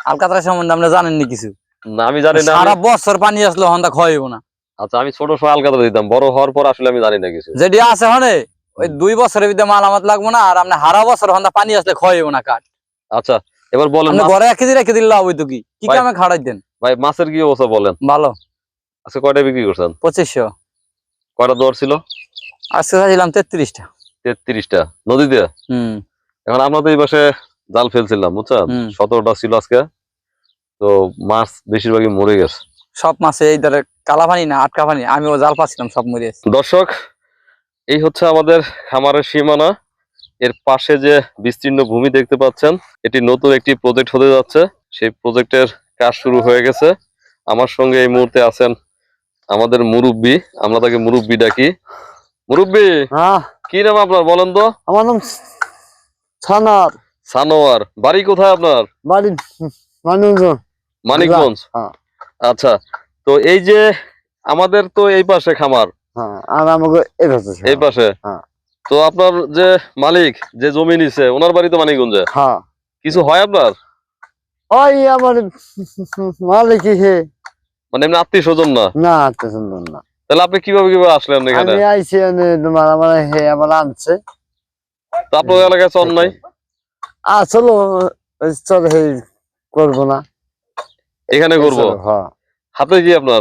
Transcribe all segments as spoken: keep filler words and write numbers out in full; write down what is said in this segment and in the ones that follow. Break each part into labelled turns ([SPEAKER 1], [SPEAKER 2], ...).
[SPEAKER 1] আলকাতরা সম্বন্ধে আমরা জানেননি কিছু?
[SPEAKER 2] না আমি জানি না।
[SPEAKER 1] সারা বছর পানি আসলে হন্দা ক্ষয় হইব না।
[SPEAKER 2] আচ্ছা আমি ছোট সময় আলকাতরা দিতাম, বড় হওয়ার পর আসলে আমি জানি না কিছু।
[SPEAKER 1] যেটি আছে হনে ওই দুই বছরের ভিতরে মালামাত লাগবো না, আর আপনি হারা বছর হন্দা পানি আসলে ক্ষয় হইব না কাঠ।
[SPEAKER 2] আচ্ছা এবার বলেন,
[SPEAKER 1] ঘরে এক কেজি রেখে দিলে হইতো কি কি কামে খাড়াই দেন
[SPEAKER 2] ভাই? মাছের কি অবস্থা বলেন?
[SPEAKER 1] ভালো।
[SPEAKER 2] আজকে কয়টা বিক্রি করছেন?
[SPEAKER 1] পঁচিশশো।
[SPEAKER 2] কয়টা দর ছিল
[SPEAKER 1] আজকে চাইছিলাম তেত্রিশটা।
[SPEAKER 2] তেত্রিশটা নদীতে।
[SPEAKER 1] হম
[SPEAKER 2] এখন আমরা তো এই পাশে জাল ফেলছিলাম বুঝছেন, সতেরোটা ছিল আজকে। তো মাছ বেশিরভাগই মরে গেছে।
[SPEAKER 1] সব মাছে এই ধরে কালা পানি না আটকা পানি, আমিও জাল পাচ্ছিলাম সব মরে গেছে।
[SPEAKER 2] দর্শক এই হচ্ছে আমাদের খামারের সীমানা। এর পাশে যে বিস্তীর্ণ ভূমি দেখতে পাচ্ছেন, এটি নতুন একটি প্রজেক্ট হতে যাচ্ছে। সেই প্রজেক্টের কাজ শুরু হয়ে গেছে। আমার সঙ্গে এই মুহূর্তে আছেন আমাদের মুরব্বি, আমরা তাকে মুরব্বি ডাকি। মুরব্বি কি নাম আপনার বলেন তো?
[SPEAKER 3] আমার নাম সানোয়ার।
[SPEAKER 2] সানোয়ার। বাড়ি কোথায় আপনার?
[SPEAKER 3] বাড়ি মানিকগঞ্জ।
[SPEAKER 2] মানিকগঞ্জ। আচ্ছা তো এই যে আমাদের তো এই পাশে খামার,
[SPEAKER 3] আর আমাকে এই পাশে।
[SPEAKER 2] এই পাশে। তো আপনার যে মালিক যে জমি নিছে ওনার বাড়ি তো মানিকগঞ্জে।
[SPEAKER 3] হ্যাঁ।
[SPEAKER 2] কিছু হয় আপনার?
[SPEAKER 3] ওই আমার মালিক হে,
[SPEAKER 2] মানে এমনি আত্মীয় স্বজন না?
[SPEAKER 3] না আত্মীয় স্বজন না।
[SPEAKER 2] তাহলে আপনি কিভাবে কিভাবে আসলেন এখানে?
[SPEAKER 3] আমি আইছি তোমার আমার হে আমার আনছে।
[SPEAKER 2] তো আপনার এলাকায় চল নাই?
[SPEAKER 3] আসলে চল হে করবো না,
[SPEAKER 2] এখানে করবো।
[SPEAKER 3] হ্যাঁ।
[SPEAKER 2] হাতে কি আপনার?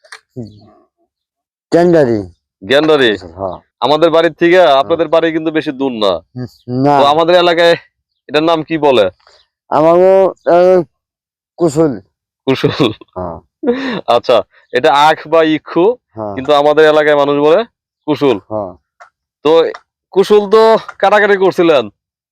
[SPEAKER 3] গ্যান্ডারি।
[SPEAKER 2] গ্যান্ডারি।
[SPEAKER 3] হ্যাঁ।
[SPEAKER 2] আমাদের বাড়ির থেকে আপনাদের বাড়ি কিন্তু বেশি দূর না।
[SPEAKER 3] না।
[SPEAKER 2] তো আমাদের এলাকায় এটার নাম কি বলে?
[SPEAKER 3] আমারও কুশল।
[SPEAKER 2] কুশল।
[SPEAKER 3] হ্যাঁ।
[SPEAKER 2] আচ্ছা এটা আখ বা ইক্ষু, কিন্তু আমাদের এলাকায় মানুষ বলে কুশল।
[SPEAKER 3] হ্যাঁ।
[SPEAKER 2] তো কুশল তো কাটাকাটি করছিলেন?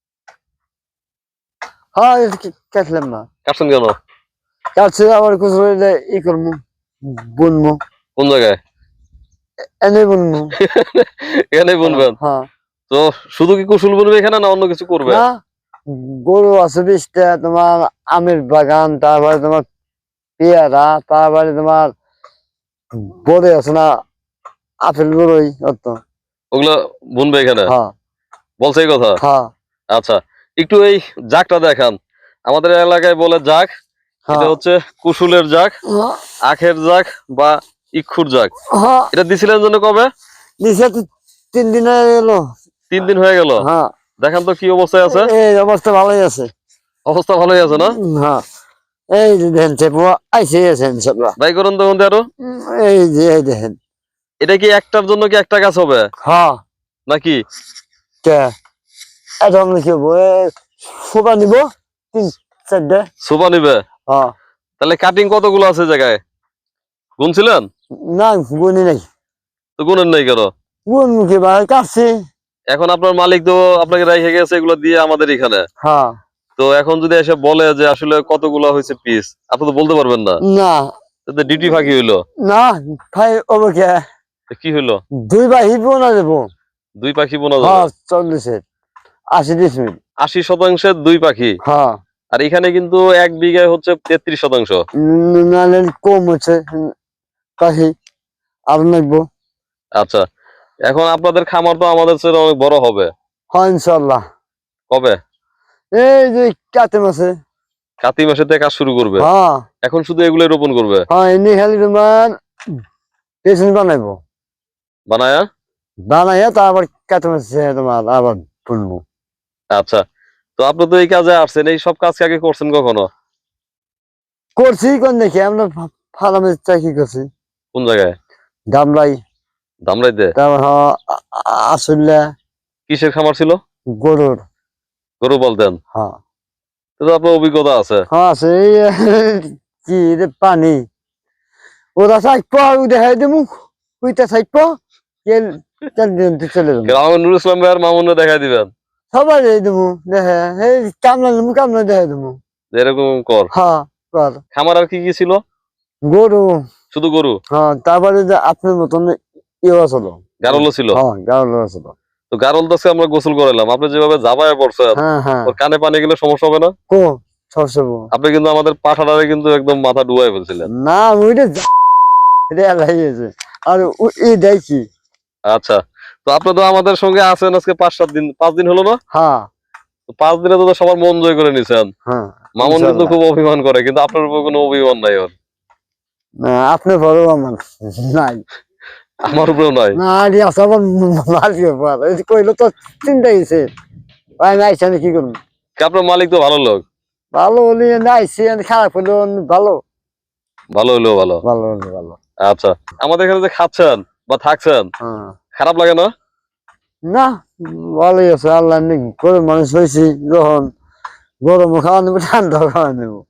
[SPEAKER 3] হ্যাঁ কাটলাম না।
[SPEAKER 2] কাটছেন কেন?
[SPEAKER 3] কাটছে আবার কুশল ই করবো, বুনবো।
[SPEAKER 2] কোন জায়গায়?
[SPEAKER 3] এনে বুনবো।
[SPEAKER 2] এখানে বুনবেন?
[SPEAKER 3] হ্যাঁ।
[SPEAKER 2] তো শুধু কি কুশল বুনবে এখানে না অন্য কিছু করবে?
[SPEAKER 3] না, গরু আছে বিশটা, তোমার আমের বাগান, তারপরে তোমার পেয়ারা, তারপরে তোমার বড়ে আছে না আপেল বড়ই,
[SPEAKER 2] ওগুলো বুনবে এখানে?
[SPEAKER 3] হ্যাঁ।
[SPEAKER 2] বলছে এই কথা?
[SPEAKER 3] হ্যাঁ।
[SPEAKER 2] আচ্ছা একটু এই জাগটা দেখান। আমাদের এলাকায় বলে জাগ, এটা হচ্ছে কুশলের জাগ, আখের জাগ বা ইক্ষুর জাগ। এটা দিছিলেন জন্য কবে?
[SPEAKER 3] দিছে তিন দিন হয়ে গেল।
[SPEAKER 2] তিন দিন হয়ে গেল?
[SPEAKER 3] হ্যাঁ।
[SPEAKER 2] দেখান তো কি অবস্থায় আছে।
[SPEAKER 3] এই অবস্থা ভালোই আছে।
[SPEAKER 2] অবস্থা ভালোই আছে না?
[SPEAKER 3] হ্যাঁ। এই যে দেখেন চেপুয়া আইসে আছেন সবরা।
[SPEAKER 2] ভাই করুন তখন আরো।
[SPEAKER 3] এই যে এই দেখেন।
[SPEAKER 2] এটা কি একটার জন্য কি একটা গাছ হবে?
[SPEAKER 3] হ্যাঁ।
[SPEAKER 2] নাকি?
[SPEAKER 3] কে এটা আমরা কি হবো, সোফা নিব তিন চারটে।
[SPEAKER 2] সোফা নিবে?
[SPEAKER 3] হ্যাঁ।
[SPEAKER 2] তাহলে কাটিং কতগুলো আছে জায়গায় গুনছিলেন?
[SPEAKER 3] না গুনি নাই।
[SPEAKER 2] তো গুনেন নাই কেন?
[SPEAKER 3] গুন মুখে ভাই কাটছি।
[SPEAKER 2] এখন আপনার মালিক তো আপনাকে রেখে গেছে এগুলো দিয়ে আমাদের এখানে।
[SPEAKER 3] হ্যাঁ।
[SPEAKER 2] তো এখন যদি এসে বলে যে আসলে কতগুলো হয়েছে পিস, আপনি তো বলতে পারবেন না।
[SPEAKER 3] না।
[SPEAKER 2] তো ডিউটি ফাঁকি হইলো
[SPEAKER 3] না ভাই। ওকে
[SPEAKER 2] কি হইলো?
[SPEAKER 3] দুই পাখি বোনা দেবো।
[SPEAKER 2] দুই পাখি বোনা
[SPEAKER 3] যাবে? হ্যাঁ চল্লিশের আশি ডিসমিল।
[SPEAKER 2] আশি শতাংশের দুই পাখি।
[SPEAKER 3] হ্যাঁ।
[SPEAKER 2] আর এখানে কিন্তু এক বিঘায় হচ্ছে তেত্রিশ শতাংশ।
[SPEAKER 3] নাহলে কম হচ্ছে পাখি আর নাকবো।
[SPEAKER 2] আচ্ছা এখন আপনাদের খামার তো আমাদের চেয়ে অনেক বড় হবে।
[SPEAKER 3] হ্যাঁ ইনশাল্লাহ।
[SPEAKER 2] কবে?
[SPEAKER 3] এই যে কাতে মাসে।
[SPEAKER 2] কাতি মাসে থেকে কাজ শুরু করবে?
[SPEAKER 3] হ্যাঁ।
[SPEAKER 2] এখন শুধু এগুলো রোপণ করবে?
[SPEAKER 3] হ্যাঁ এনে খালি তোমার পেছন বানাইবো,
[SPEAKER 2] বানায়া
[SPEAKER 3] বানাইয়া তারপর কাতে মাসে তোমার আবার বুনবো।
[SPEAKER 2] আচ্ছা তো আপনি তো এই কাজে আসছেন, এই সব কাজ আগে করছেন কখনো?
[SPEAKER 3] করছি কোন দেখি আমরা ফার্মে চাকরি করছি।
[SPEAKER 2] কোন জায়গায়?
[SPEAKER 3] দামরাই।
[SPEAKER 2] দামরাইতে?
[SPEAKER 3] তারপর আসলে
[SPEAKER 2] কিসের খামার ছিল?
[SPEAKER 3] গরুর।
[SPEAKER 2] গরু বলতেন?
[SPEAKER 3] হ্যাঁ।
[SPEAKER 2] তো আপনার অভিজ্ঞতা আছে?
[SPEAKER 3] হ্যাঁ আছে। কি রে পানি ওরা থাকবো দেখাই দেবো, ওইটা থাকবো চলে যাবো।
[SPEAKER 2] নুর ইসলাম ভাই আর মামুনরা দেখাই দিবেন?
[SPEAKER 3] সবাই দেবো দেখা, এই কামলা নেবো কামলা দেখাই দেবো।
[SPEAKER 2] এরকম কর।
[SPEAKER 3] হ্যাঁ কর।
[SPEAKER 2] খামার আর কি কি ছিল?
[SPEAKER 3] গরু।
[SPEAKER 2] শুধু গরু?
[SPEAKER 3] হ্যাঁ তারপরে যে আপনার মতন ইয়ে ছিল,
[SPEAKER 2] গারলও ছিল?
[SPEAKER 3] হ্যাঁ গারল ছিল।
[SPEAKER 2] তো গারল দাসে আমরা গোসল করালাম, আপনি যেভাবে জাবায় পড়ছেন ওর কানে পানি গেলে সমস্যা হবে না?
[SPEAKER 3] কো সমস্যা। আপনি
[SPEAKER 2] কিন্তু আমাদের পাঠাটারে কিন্তু একদম মাথা ডুবাই ফেলছিলেন।
[SPEAKER 3] না ওইটা এটা লাগিয়েছে আর এই দেখি।
[SPEAKER 2] আচ্ছা তো আপনি তো আমাদের সঙ্গে আছেন আজকে পাঁচ সাত দিন, পাঁচ দিন হলো না?
[SPEAKER 3] হ্যাঁ।
[SPEAKER 2] পাঁচ দিনে তো সবার মন জয় করে নিছেন।
[SPEAKER 3] হ্যাঁ।
[SPEAKER 2] মামুন কিন্তু
[SPEAKER 3] ইনশাল্লাহ।
[SPEAKER 2] খুব অভিমান করে, কিন্তু আপনার উপর কোনো অভিমান নাই ওর।
[SPEAKER 3] না, আপনি বড় আমার নাই
[SPEAKER 2] আমার উপরেও নাই।
[SPEAKER 3] না আরে আছে আবার মালিক বল এই যে কইলো তো চিন্তা গেছে ভাই নাই আমি কি করব
[SPEAKER 2] কি আপনার মালিক তো ভালো লোক,
[SPEAKER 3] ভালো হলি নাইছি আমি খারাপ হলো ভালো
[SPEAKER 2] ভালো হলেও ভালো।
[SPEAKER 3] ভালো হলি ভালো
[SPEAKER 2] আচ্ছা, আমাদের এখানে যে খাচ্ছেন বা থাকছেন,
[SPEAKER 3] হ্যাঁ
[SPEAKER 2] খারাপ লাগে না?
[SPEAKER 3] না ভালোই আছে আল্লাহ নি করে মানুষ হয়েছি যখন গরম খাওয়া নেবো ঠান্ডা খাওয়া নেবো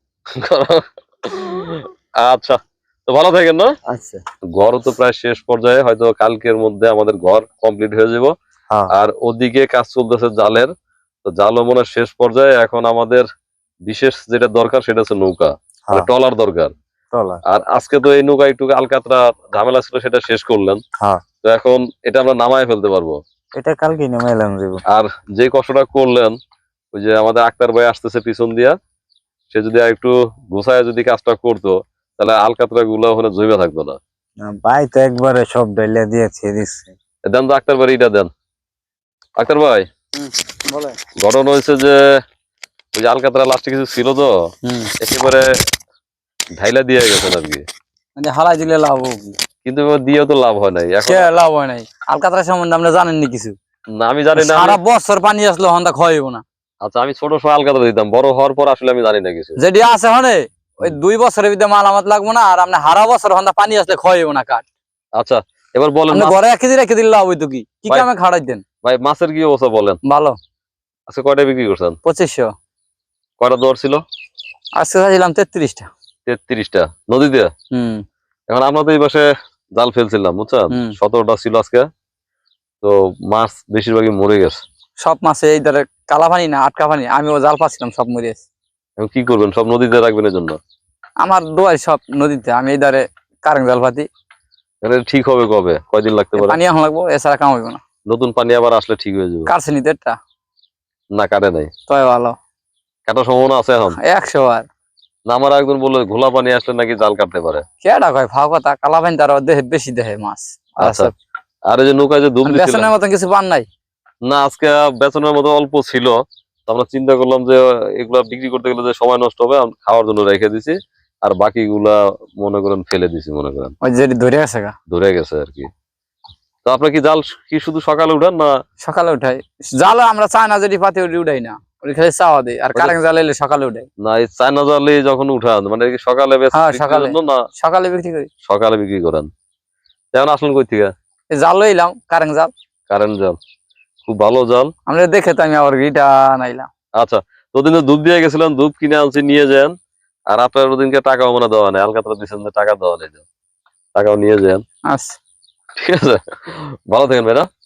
[SPEAKER 2] আচ্ছা, তো ভালো থাকেন না?
[SPEAKER 3] আচ্ছা
[SPEAKER 2] ঘর তো প্রায় শেষ পর্যায়ে, হয়তো কালকের মধ্যে আমাদের ঘর কমপ্লিট হয়ে যাব।
[SPEAKER 3] হ্যাঁ
[SPEAKER 2] আর ওদিকে কাজ চলতেছে জালের, তো জালও মনে হয় শেষ পর্যায়ে। এখন আমাদের বিশেষ যেটা দরকার সেটা হচ্ছে নৌকা, মানে
[SPEAKER 3] হ্যাঁ
[SPEAKER 2] ট্রলার দরকার।
[SPEAKER 3] চলা
[SPEAKER 2] আর আজকে তো এই নৌকা একটু আলকাতরা ঝামেলা ছিল, সেটা শেষ করলেন।
[SPEAKER 3] হ্যাঁ
[SPEAKER 2] তো এখন এটা আমরা নামায় ফেলতে পারবো।
[SPEAKER 3] এটা কালকে নেমাইলাম দেব
[SPEAKER 2] আর যে কষ্টটা করলেন, ওই যে আমাদের আক্তার ভাই আসতেছে পিছন দিয়া, সে যদি আর একটু গুছায় যদি কাজটা করতো, তাহলে আলকাতরা গুলো ওখানে জমে থাকতো না।
[SPEAKER 3] ভাই তো একবারে সব ডাইলা দিয়ে ছেড়ে দিচ্ছে
[SPEAKER 2] দেন তো আক্তার ভাই, এটা দেন। আক্তার ভাই,
[SPEAKER 3] বলে
[SPEAKER 2] ঘটনা হয়েছে যে ওই যে আলকাতরা লাস্টে কিছু ছিল তো,
[SPEAKER 1] হুম
[SPEAKER 2] একেবারে ঢাইলা দিয়ে গেছেন আর কি।
[SPEAKER 1] মানে হালাই দিলে লাভ হবে কি?
[SPEAKER 2] কিন্তু এবার দিয়েও তো লাভ হয় নাই এখন।
[SPEAKER 1] সে লাভ হয় নাই। আলকাতরা সম্বন্ধে আমরা জানেননি কিছু।
[SPEAKER 2] না, আমি জানি না।
[SPEAKER 1] সারা
[SPEAKER 2] আমি-
[SPEAKER 1] বছর পানি আসলে হন্দা ক্ষয় হইব না।
[SPEAKER 2] আচ্ছা, আমি ছোট সময় আলকাতরা দিতাম, বড় হওয়ার পর আসলে আমি জানি না কিছু।
[SPEAKER 1] যেটি আছে হনে ওই দুই বছরের ভিতরে মালামাত লাগবো না, আর আপনি হারা বছর হন্দা পানি আসলে ক্ষয় হইব না কাঠ।
[SPEAKER 2] আচ্ছা, এবার বলেন
[SPEAKER 1] আপনি
[SPEAKER 2] মাছ-
[SPEAKER 1] ঘরে এক কেজি রেখে দিলে লাভ হইতো কি? কি
[SPEAKER 2] ভাই-
[SPEAKER 1] কামে খাড়াই দেন?
[SPEAKER 2] ভাই মাছের কি অবস্থা বলেন?
[SPEAKER 1] ভালো।
[SPEAKER 2] আজকে কয়টা বিক্রি করছেন?
[SPEAKER 1] পঁচিশশো।
[SPEAKER 2] কয়টা দর ছিল?
[SPEAKER 1] আজকে চাইছিলাম তেত্রিশটা।
[SPEAKER 2] তেত্রিশটা নদীতে।
[SPEAKER 1] হম
[SPEAKER 2] এখন আমরা তো এই পাশে জাল ফেলছিলাম, বুঝছেন,
[SPEAKER 1] হুম।
[SPEAKER 2] সতেরোটা ছিল আজকে। তো মাছ বেশিরভাগই মরে গেছে।
[SPEAKER 1] সব মাছে এই ধরে কালা পানি না আটকা পানি, আমিও জাল পাচ্ছিলাম সব মরে গেছে।
[SPEAKER 2] এখন কি করবেন? সব নদীতে রাখবেন এর জন্য?
[SPEAKER 1] আমার দোয়াই সব নদীতে, আমি এই ধরে কারেন্ট জাল পাতি।
[SPEAKER 2] এটা ঠিক হবে কবে? কয়দিন লাগতে পারে?
[SPEAKER 1] পানি এখন লাগবো, এছাড়া কাম হইব না।
[SPEAKER 2] নতুন পানি আবার আসলে ঠিক হয়ে যাবে।
[SPEAKER 1] কাটছে নিতে একটা
[SPEAKER 2] না, কাটে নাই।
[SPEAKER 1] তয় ভালো।
[SPEAKER 2] কাটার সম্ভাবনা আছে এখন?
[SPEAKER 1] একশো বার।
[SPEAKER 2] না, আমার একজন বললো ঘোলা পানি আসলে নাকি জাল কাটতে পারে।
[SPEAKER 1] কেডা কয় ফাও কথা, কালা পানি তার দেহে বেশি দেহে মাছ। আর
[SPEAKER 2] আচ্ছা,
[SPEAKER 1] সব-
[SPEAKER 2] আর এই যে নৌকায় যে দুধ দিছিলেন,
[SPEAKER 1] বেসনের মতন কিছু পান নাই।
[SPEAKER 2] না আজকে বেতনের মতো অল্প ছিল। তো আমরা চিন্তা করলাম যে এগুলা বিক্রি করতে গেলে যে সময় নষ্ট হবে, আমি খাওয়ার জন্য রেখে দিছি। আর বাকিগুলা মনে করেন ফেলে দিছি, মনে করেন
[SPEAKER 1] ওই যে ধরে আছে গা
[SPEAKER 2] ধরে গেছে আর কি। তো আপনার কি জাল কি শুধু সকালে উঠান না?
[SPEAKER 1] সকালে উঠাই। জাল আমরা চাই না যেটি পাতি ওটি উঠাই না, ওটি খালি চাওয়া দেয়। আর কারেন্ট জাল এলে সকালে উঠাই।
[SPEAKER 2] না, এই চায়না জালে যখন উঠান, মানে কি সকালে বেচ-
[SPEAKER 1] হ্যাঁ,
[SPEAKER 2] বিক্রির
[SPEAKER 1] সকালে।
[SPEAKER 2] জন্য না
[SPEAKER 1] সকালে বিক্রি করি।
[SPEAKER 2] সকালে বিক্রি করেন? যেমন আসলেন কই থেকে?
[SPEAKER 1] এই জাল লইলাম কারেন্ট জাল।
[SPEAKER 2] কারেন্ট জাল, খুব ভালো জাল।
[SPEAKER 1] আমরা দেখে তো আমি আবার গিটা নাইলাম।
[SPEAKER 2] আচ্ছা, তোদিন তো দুধ দিয়ে গেছিলেন, দুধ কিনে আনছি, নিয়ে যান। আর আপনার ওদিনকে টাকাও মনে দেওয়া নেই, আলকাতরা দিচ্ছেন যে টাকা দেওয়া নেই, টাকাও নিয়ে যান।
[SPEAKER 1] আচ্ছা।
[SPEAKER 2] ঠিক আছে, ভালো থাকেন ভাইরা।